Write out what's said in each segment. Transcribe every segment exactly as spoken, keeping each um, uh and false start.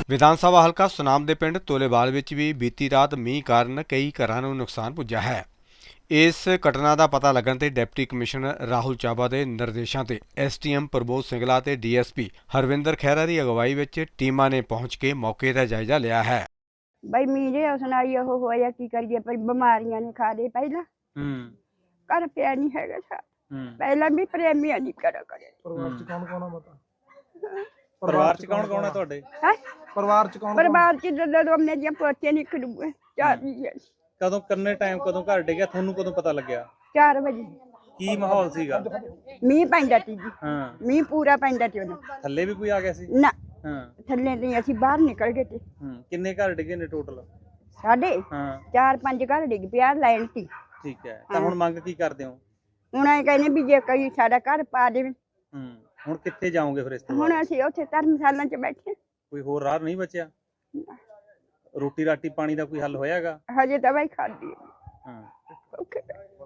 ਵਿਧਾਨ ਸਭਾ ਹਲਕਾ ਸੁਨਾਮ ਦੇ ਪਿੰਡ ਤੋਲੇਵਾਲ ਵਿੱਚ ਵੀ ਬੀਤੀ ਰਾਤ ਮੀਂਹ ਕਾਰਨ ਕਈ ਘਰਾਂ ਨੂੰ ਨੁਕਸਾਨ ਪੁੱਜਾ ਹੈ। ਇਸ ਘਟਨਾ ਦਾ ਪਤਾ ਲੱਗਣ ਤੇ ਡਿਪਟੀ ਕਮਿਸ਼ਨਰ ਰਾਹੁਲ ਚਾਬਾ ਦੇ ਨਿਰਦੇਸ਼ਾਂ ਤੇ ਐਸਟੀਐਮ ਪ੍ਰਬੋਧ ਸਿੰਗਲਾ ਤੇ ਡੀਐਸਪੀ ਹਰਵਿੰਦਰ ਖਹਿਰਾ ਦੀ ਅਗਵਾਈ ਵਿੱਚ ਟੀਮਾਂ ਨੇ ਪਹੁੰਚ ਕੇ ਮੌਕੇ ਦਾ ਜਾਇਜ਼ਾ ਲਿਆ ਹੈ। ਬਈ ਮੀਂਹ ਉਸ ਨਾਲ ਉਹ ਹੋਇਆ ਕੀ ਕਰੀਏ, ਪਰ ਬਿਮਾਰੀਆਂ ਨੇ ਖਾ ਲਏ। ਪਹਿਲਾਂ ਹੂੰ ਘਰ ਪਿਆ ਨਹੀਂ ਹੈਗਾ ਸਾ, ਹੂੰ ਪਹਿਲਾਂ ਵੀ ਪ੍ਰੇਮੀਆਂ ਦੀ ਕਰਾ ਕਰੇ। ਪਰਿਵਾਰ ਚ ਕੌਣ ਕੌਣ ਆ ਮਾਤਾ? ਪਰਿਵਾਰ ਚ ਕੌਣ ਕੌਣ ਹੈ ਤੁਹਾਡੇ? ਹੈ ਪਰਿਵਾਰ ਚ ਕੌਣ ਪਰਿਵਾਰ ਚ ਜਦੋਂ ਮੇਰੇ ਪੋਤੇ ਨਿਕਲੂਗੇ ਚਾਰ ਵਜੇ ਕਦੋਂ ਕਰਨੇ ਟਾਈਮ ਕਦੋਂ ਘਰ ਡਿੱਗਿਆ ਤੁਹਾਨੂੰ ਕਦੋਂ ਪਤਾ ਲੱਗਿਆ? ਚਾਰ ਵਜੇ ਕੀ ਮਾਹੌਲ ਸੀਗਾ? ਮੀਂਹ ਪੈਂਦਾ ਸੀ ਜੀ, ਹਾਂ ਮੀਂਹ ਪੂਰਾ ਪੈਂਦਾ ਸੀ ਉਦੋਂ। ਥੱਲੇ ਵੀ ਕੋਈ ਆ ਗਿਆ ਸੀ? ਨਾ ਹਾਂ ਥੱਲੇ ਨਹੀਂ, ਅਸੀਂ ਬਾਹਰ ਨਿਕਲ ਗਏ ਤੇ ਹੂੰ ਕਿੰਨੇ ਘਰ ਡਿੱਗੇ ਨੇ ਟੋਟਲ? ਸਾਡੇ ਹਾਂ ਚਾਰ ਪੰਜ ਘਰ ਡਿੱਗ ਪਿਆ ਲਾਈਨ ਸੀ। ਠੀਕ ਹੈ, ਤਾਂ ਹੁਣ ਮੰਗ ਕੀ ਕਰਦੇ ਹੋ? ਹੁਣ ਇਹ ਕਹਿੰਦੇ ਵੀ ਜੇ ਕੋਈ ਸਾਡਾ ਘਰ ਪਾ ਦੇਵੇ। ਹੂੰ ਹੁਣ ਕਿੱਥੇ ਜਾਓਗੇ ਫਿਰ ਇਸ ਤੋਂ ਹੁਣ ਬਾਅਦ? ਅਸੀਂ ਉੱਥੇ ਧਰਮਸ਼ਾਲਾ 'ਚ ਬੈਠੇ, ਕੋਈ ਹੋਰ ਰਾਹ ਨਹੀਂ ਬਚਿਆ? ਰੋਟੀ ਰਾਟੀ ਪਾਣੀ ਦਾ ਕੋਈ ਹੱਲ ਹੋਇਆਗਾ? ਹਜੇ ਤਾਂ ਬਾਈ ਖਾਦੀ ਹਾਂ ਓਕੇ।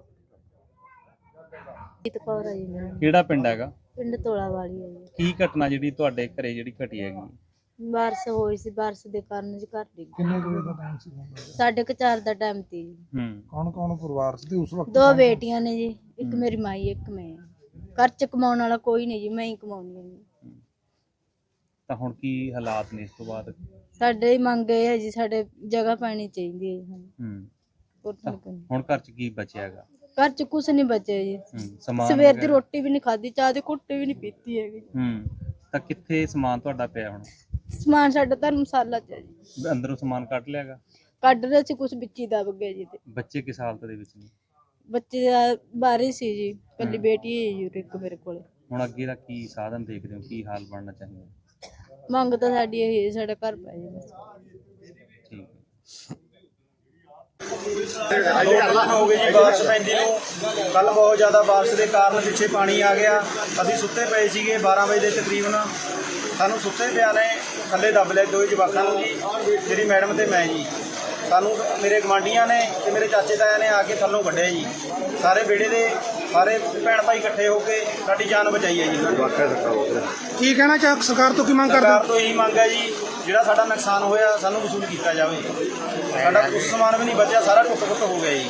ਜੀਤ ਕੌਰ ਹੈ ਜੀ ਮੇਰਾ ਨਾਮ। ਕਿਹੜਾ ਪਿੰਡ ਹੈਗਾ? ਪਿੰਡ ਤੋਲਾ ਵਾਲੀ ਹੈ ਜੀ। ਕੀ ਘਟਨਾ ਜਿਹੜੀ ਤੁਹਾਡੇ ਘਰੇ ਜਿਹੜੀ ਘਟੀ ਹੈਗੀ? ਬਾਰਿਸ਼ ਹੋਈ ਸੀ, ਬਾਰਿਸ਼ ਦੇ ਕਾਰਨ ਜੀ ਘਰ ਡਿੱਗ ਗਿਆ। ਕਿੰਨੇ ਕੁ ਵਜੇ ਦਾ ਟਾਈਮ ਸੀ? ਸਾਢੇ ਕੁ ਚਾਰ ਦਾ ਟਾਈਮ ਸੀ ਜੀ। ਹੂੰ ਕੌਣ ਕੌਣ ਪਰਿਵਾਰ ਚ ਤੇ ਉਸ ਵਕਤ? ਦੋ ਬੇਟੀਆਂ ਨੇ ਜੀ, ਇੱਕ ਮੇਰੀ ਮਾਈ ਇੱਕ ਮੈਂ। ਘਰ ਚ ਕਮਾਉਣ ਵਾਲਾ ਕੋਈ ਨਹੀਂ ਜੀ, ਮੈਂ ਹੀ ਕਮਾਉਂਦੀ ਹਾਂ ਜੀ। ਤਾਂ ਹੁਣ ਕੀ ਹਾਲਾਤ ਨੇ ਇਸ ਤੋਂ ਬਾਅਦ? ਸਾਡੇ ਹੀ ਮੰਗ ਇਹ ਹੈ ਜੀ, ਸਾਡੇ ਜਗ੍ਹਾ ਪੈਣੀ ਚਾਹੀਦੀ ਹੈ ਜੀ ਸਾਨੂੰ। ਹੂੰ ਹੋਰ ਤਾਂ ਕੋਈ ਨਹੀਂ। ਹੁਣ ਘਰ ਚ ਕੀ ਬਚਿਆ ਹੈਗਾ? ਘਰ ਚ ਕੁਛ ਨਹੀਂ ਬਚਿਆ ਜੀ। ਹੂੰ ਸਮਾਨ ਸਵੇਰ ਦੀ ਵਗੈਰਾ? ਰੋਟੀ ਵੀ ਨਹੀਂ ਖਾਧੀ, ਚਾਹ ਦੀ ਘੁੱਟ ਵੀ ਨਹੀਂ ਪੀਤੀ ਹੈਗੀ। ਹੂੰ ਤਾਂ ਕਿੱਥੇ ਸਮਾਨ ਤੁਹਾਡਾ ਪਿਆ ਹੁਣ? ਸਮਾਨ ਸਾਡਾ ਧਰਮਸ਼ਾਲਾ ਚ ਹੈ ਜੀ। ਅੰਦਰੋਂ ਸਮਾਨ ਕੱਢ ਲਿਆਗਾ? ਕੱਢ ਰਹੇ ਸੀ, ਕੁਛ ਵਿੱਚ ਹੀ ਦਬ ਗਿਆ ਜੀ। ਤੇ ਬੱਚੇ ਕਿਸ ਹਾਲਤ ਦੇ ਵਿੱਚ ਨੇ? ਬੱਚੇ ਦਾ ਬਾਰੇ ਸੀ ਜੀ, ਕੱਲੀ ਬੇਟੀ ਹੈ ਜੀ ਇੱਕ ਮੇਰੇ ਕੋਲ। ਹੁਣ ਅੱਗੇ ਦਾ ਕੀ ਸਾਧਨ ਦੇਖਦੇ ਹੋ, ਕੀ ਹਾਲ ਬਣਨਾ ਚਾਹੀਦਾ? ਮੰਗ ਤਾਂ ਸਾਡੀ ਇਹ ਹੈ, ਸਾਡਾ ਘਰ ਪੈ ਜਾਵੇ ਬਸ। ਠੀਕ ਹੋ ਗਈ ਜੀ ਬਾਰਿਸ਼ ਪੈਂਦੀ ਨੂੰ। ਕੱਲ ਬਹੁਤ ਜ਼ਿਆਦਾ ਬਾਰਿਸ਼ ਦੇ ਕਾਰਨ ਪਿੱਛੇ ਪਾਣੀ ਆ ਗਿਆ। ਅਸੀਂ ਸੁੱਤੇ ਪਏ ਸੀਗੇ ਬਾਰਾਂ ਵਜੇ ਦੇ ਤਕਰੀਬਨ। ਸਾਨੂੰ ਸੁੱਤੇ ਪਿਆ ਨੇ ਥੱਲੇ ਦੱਬ ਲਿਆ ਦੋਵੇਂ ਜਵਾਕਾਂ ਨੂੰ ਜੀ, ਮੇਰੀ ਮੈਡਮ ਤੇ ਮੈਂ ਜੀ। ਸਾਨੂੰ ਮੇਰੇ ਗਵਾਂਢੀਆਂ ਨੇ ਤੇ ਮੇਰੇ ਚਾਚੇ ਤਾਇਆ ਨੇ ਆ ਕੇ ਥੱਲੋਂ ਕੱਢਿਆ ਜੀ। ਸਾਰੇ ਵਿਹੜੇ ਦੇ ਸਾਰੇ ਭੈਣ ਭਾਈ ਇਕੱਠੇ ਹੋ ਕੇ ਸਾਡੀ ਜਾਨ ਬਚਾਈ ਹੈ ਜੀ। ਕੀ ਕਹਿਣਾ ਚਾਹ ਸਰਕਾਰ ਤੋਂ ਕੀ ਮੰਗ ਕਰਦੇ? ਸਰਕਾਰ ਤੋਂ ਇਹੀ ਮੰਗ ਹੈ ਜੀ, ਜਿਹੜਾ ਸਾਡਾ ਨੁਕਸਾਨ ਹੋਇਆ ਸਾਨੂੰ ਵਸੂਲ ਕੀਤਾ ਜਾਵੇ। ਸਾਡਾ ਕੁਛ ਸਮਾਨ ਵੀ ਨਹੀਂ ਬਚਿਆ, ਸਾਰਾ ਟੁੱਟ ਫੁੱਟ ਹੋ ਗਿਆ ਜੀ।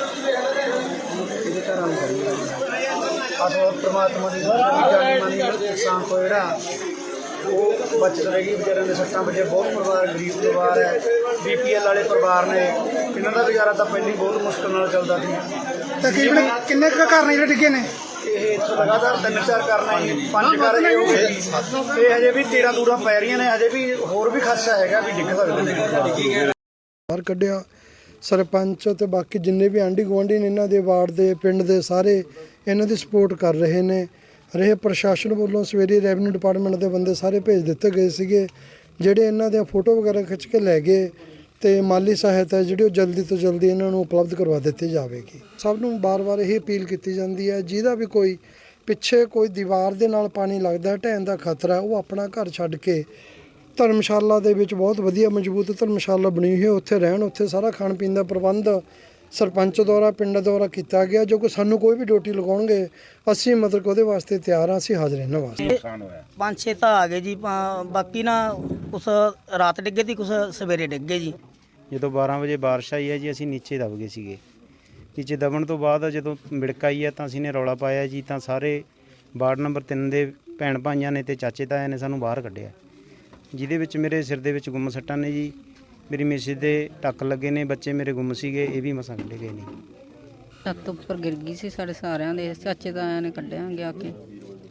ਆਸੋ ਪ੍ਰਮਾਤਮਾ ਦੀ ਜਾਨੀ ਮਾਨੀ ਨੁਕਸਾਨ ਤੋਂ ਜਿਹੜਾ ਉਹ ਬਚਤ ਰਹੇਗੀ। ਵਿਚਾਰਿਆਂ ਦੇ ਸੱਟਾਂ ਵੱਜੇ ਬਹੁਤ ਪਰਿਵਾਰ ਗਰੀਬ ਪਰਿਵਾਰ ਹੈ, ਬੀਪੀਐਲ ਵਾਲੇ ਪਰਿਵਾਰ ਨੇ। ਇਹਨਾਂ ਦਾ ਗੁਜ਼ਾਰਾ ਤਾਂ ਪਹਿਲਾਂ ਹੀ ਬਹੁਤ ਮੁਸ਼ਕਲ ਨਾਲ ਚੱਲਦਾ ਸੀ। ਤਕਰੀਬਨ ਕਿੰਨੇ ਕੁ ਘਰ ਨੇ ਜਿਹੜੇ ਡਿੱਗੇ ਨੇ? ਇਹ ਇੱਥੋਂ ਲਗਾਤਾਰ ਤਿੰਨ ਚਾਰ ਕਰਨਾ ਜੀ, ਪੰਜ ਕਰ ਰਹੇ ਹੋ ਗਏ ਜੀ। ਇਹ ਹਜੇ ਵੀ ਤੇਰਾਂ ਦੂਰਾਂ ਪੈ ਰਹੀਆਂ ਨੇ, ਹਜੇ ਵੀ ਹੋਰ ਵੀ ਖਦਸ਼ਾ ਹੈਗਾ ਵੀ ਡਿੱਗ ਸਕਦੇ ਨੇ। ਬਾਹਰ ਕੱਢਿਆ ਸਰਪੰਚ ਤੇ ਬਾਕੀ ਜਿੰਨੇ ਵੀ ਆਂਢੀ ਗੁਆਂਢੀ ਨੇ, ਇਹਨਾਂ ਦੇ ਵਾਰਡ ਦੇ ਪਿੰਡ ਦੇ ਸਾਰੇ ਇਹਨਾਂ ਦੀ ਸਪੋਰਟ ਕਰ ਰਹੇ ਨੇ। ਰਹੇ ਪ੍ਰਸ਼ਾਸਨ ਵੱਲੋਂ ਸਵੇਰੇ ਰੈਵਨਿਊ ਡਿਪਾਰਟਮੈਂਟ ਦੇ ਬੰਦੇ ਸਾਰੇ ਭੇਜ ਦਿੱਤੇ ਗਏ ਸੀਗੇ, ਜਿਹੜੇ ਇਹਨਾਂ ਦੀਆਂ ਫੋਟੋ ਵਗੈਰਾ ਖਿੱਚ ਕੇ ਲੈ ਗਏ ਤੇ ਮਾਲੀ ਸਹਾਇਤਾ ਜਿਹੜੀ ਉਹ ਜਲਦੀ ਤੋਂ ਜਲਦੀ ਇਹਨਾਂ ਨੂੰ ਉਪਲਬਧ ਕਰਵਾ ਦਿੱਤੀ ਜਾਵੇਗੀ। ਸਭ ਨੂੰ ਬਾਰ-ਬਾਰ ਇਹ ਅਪੀਲ ਕੀਤੀ ਜਾਂਦੀ ਹੈ, ਜਿਹਦਾ ਵੀ ਕੋਈ ਪਿੱਛੇ ਕੋਈ ਦੀਵਾਰ ਦੇ ਨਾਲ ਪਾਣੀ ਲੱਗਦਾ ਢਹਿਣ ਦਾ ਖਤਰਾ, ਉਹ ਆਪਣਾ ਘਰ ਛੱਡ ਕੇ ਧਰਮਸ਼ਾਲਾ ਦੇ ਵਿੱਚ ਬਹੁਤ ਵਧੀਆ ਮਜ਼ਬੂਤ ਧਰਮਸ਼ਾਲਾ ਬਣੀ ਹੋਈ ਹੈ, ਉੱਥੇ ਰਹਿਣ। ਉੱਥੇ ਸਾਰਾ ਖਾਣ ਪੀਣ ਦਾ ਪ੍ਰਬੰਧ ਸਰਪੰਚ ਦੁਆਰਾ ਪਿੰਡ ਦੁਆਰਾ ਕੀਤਾ ਗਿਆ। ਜੋ ਕਿ ਸਾਨੂੰ ਕੋਈ ਵੀ ਡਿਊਟੀ ਲਗਾਉਣਗੇ ਅਸੀਂ ਮਤਲਬ ਉਹਦੇ ਵਾਸਤੇ ਤਿਆਰ ਹਾਂ, ਅਸੀਂ ਹਾਜ਼ਰ ਇਹਨਾਂ ਵਾਸਤੇ। ਪੰਜ ਛੇ ਤਾਂ ਆ ਗਏ ਜੀ, ਪਾ- ਬਾਕੀ ਨਾ ਕੁਛ ਰਾਤ ਡਿੱਗੇ ਸੀ, ਕੁਛ ਸਵੇਰੇ ਡਿੱਗੇ ਜੀ। ਜਦੋਂ ਬਾਰਾਂ ਵਜੇ ਬਾਰਿਸ਼ ਆਈ ਹੈ ਜੀ, ਅਸੀਂ ਨੀਚੇ ਦਬ ਗਏ ਸੀਗੇ। ਨੀਚੇ ਦਬਣ ਤੋਂ ਬਾਅਦ ਜਦੋਂ ਮਿੜਕ ਆਈ ਹੈ ਤਾਂ ਅਸੀਂ ਨੇ ਰੌਲਾ ਪਾਇਆ ਜੀ, ਤਾਂ ਸਾਰੇ ਵਾਰਡ ਨੰਬਰ ਤਿੰਨ ਦੇ ਭੈਣ ਭਾਈਆਂ ਨੇ ਤੇ ਚਾਚੇ ਤਾਇਆ ਨੇ ਸਾਨੂੰ ਬਾਹਰ ਕੱਢਿਆ, ਜਿਹਦੇ ਵਿੱਚ ਮੇਰੇ ਸਿਰ ਦੇ ਵਿੱਚ ਗੁੰਮ ਸੱਟਾਂ ਨੇ ਜੀ। ਮੇਰੀ ਮਿਸਿਸ ਦੇ ਟੱਕ ਲੱਗੇ ਨੇ, ਬੱਚੇ ਮੇਰੇ ਗੁੰਮ ਸੀਗੇ, ਇਹ ਵੀ ਮਸਾਂ ਕੱਢੇ ਗਏ ਨੇ। ਛੱਤ ਉੱਪਰ ਗਿਰ ਗਈ ਸੀ ਸਾਡੇ ਸਾਰਿਆਂ ਦੇ, ਚਾਚੇ ਤਾਇਆਂ ਨੇ ਕੱਢਿਆਂਗੇ ਆ ਕੇ।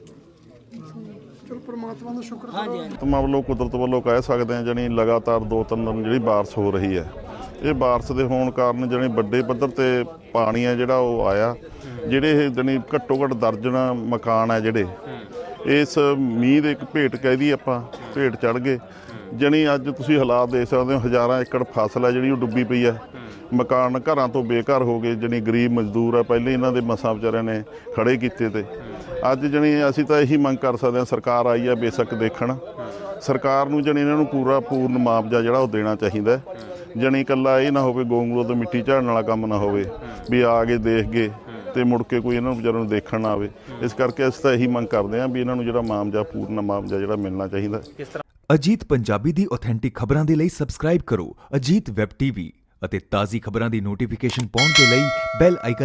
ਚਲੋ ਪਰਮਾਤਮਾ ਦਾ ਸ਼ੁਕਰ ਹਾਂਜੀ ਪਰਮਾਤਮਾ ਵੱਲੋਂ ਕੁਦਰਤ ਵੱਲੋਂ ਕਹਿ ਸਕਦੇ ਹਾਂ, ਜਾਣੀ ਲਗਾਤਾਰ ਦੋ ਤਿੰਨ ਦਿਨ ਜਿਹੜੀ ਬਾਰਿਸ਼ ਹੋ ਰਹੀ ਹੈ। ਇਹ ਬਾਰਿਸ਼ ਦੇ ਹੋਣ ਕਾਰਨ ਜਾਣੀ ਵੱਡੇ ਪੱਧਰ ਤੇ ਪਾਣੀ ਹੈ ਜਿਹੜਾ ਉਹ ਆਇਆ। ਜਿਹੜੇ ਇਹ ਜਾਣੀ ਘੱਟੋ ਘੱਟ ਦਰਜਨਾਂ ਮਕਾਨ ਹੈ ਜਿਹੜੇ ਇਸ ਮੀਂਹ ਦੇ ਇੱਕ ਭੇਟ ਕਹਿ ਦਈਏ ਆਪਾਂ, ਭੇਟ ਚੜ੍ਹ ਗਏ। ਜਾਣੀ ਅੱਜ ਤੁਸੀਂ ਹਾਲਾਤ ਦੇਖ ਸਕਦੇ ਹੋ, ਹਜ਼ਾਰਾਂ ਏਕੜ ਫਸਲ ਹੈ ਜਿਹੜੀ ਉਹ ਡੁੱਬੀ ਪਈ ਹੈ। ਮਕਾਨ ਘਰਾਂ ਤੋਂ ਬੇਘਰ ਹੋ ਗਏ। ਜਾਣੀ ਗਰੀਬ ਮਜ਼ਦੂਰ ਆ, ਪਹਿਲੇ ਇਹਨਾਂ ਦੇ ਮਸਾਂ ਵਿਚਾਰਿਆਂ ਨੇ ਖੜੇ ਕੀਤੇ ਤੇ ਅੱਜ ਜਾਣੀ ਅਸੀਂ ਤਾਂ ਇਹੀ ਮੰਗ ਕਰ ਸਕਦੇ ਹਾਂ, ਸਰਕਾਰ ਆਈ ਹੈ ਬੇਸ਼ੱਕ ਦੇਖਣ, ਸਰਕਾਰ ਨੂੰ ਜਾਣੀ ਇਹਨਾਂ ਨੂੰ ਪੂਰਾ ਪੂਰਨ ਮੁਆਵਜ਼ਾ ਜਿਹੜਾ ਉਹ ਦੇਣਾ ਚਾਹੀਦਾ। ਜਾਣੀ ਇਕੱਲਾ ਇਹ ਨਾ ਹੋਵੇ ਗੋਂਗਲੋ ਤੋਂ ਮਿੱਟੀ ਝਾੜਨ ਵਾਲਾ ਕੰਮ ਨਾ ਹੋਵੇ ਵੀ ਆ ਕੇ ਦੇਖ ਗਏ ਤੇ ਮੁੜ ਕੇ ਕੋਈ ਇਹਨਾਂ ਨੂੰ ਵਿਚਾਰਿਆਂ ਨੂੰ ਦੇਖਣ ਨਾ ਆਵੇ। ਇਸ ਕਰਕੇ ਅਸੀਂ ਤਾਂ ਇਹੀ ਮੰਗ ਕਰਦੇ ਹਾਂ ਵੀ ਇਹਨਾਂ ਨੂੰ ਜਿਹੜਾ ਮੁਆਵਜ਼ਾ ਪੂਰਨ ਮੁਆਵਜ਼ਾ ਜਿਹੜਾ ਮਿਲਣਾ ਚਾਹੀਦਾ। ਅਜੀਤ ਪੰਜਾਬੀ ਦੀ ਆਥੈਂਟਿਕ ਖਬਰਾਂ ਦੇ ਲਈ ਸਬਸਕ੍ਰਾਈਬ ਕਰੋ ਅਜੀਤ ਵੈਬ ਟੀਵੀ ਅਤੇ ਤਾਜ਼ੀ ਖਬਰਾਂ ਦੀ ਨੋਟੀਫਿਕੇਸ਼ਨ ਪਾਉਣ ਦੇ ਲਈ ਬੈਲ ਆਈਕਨ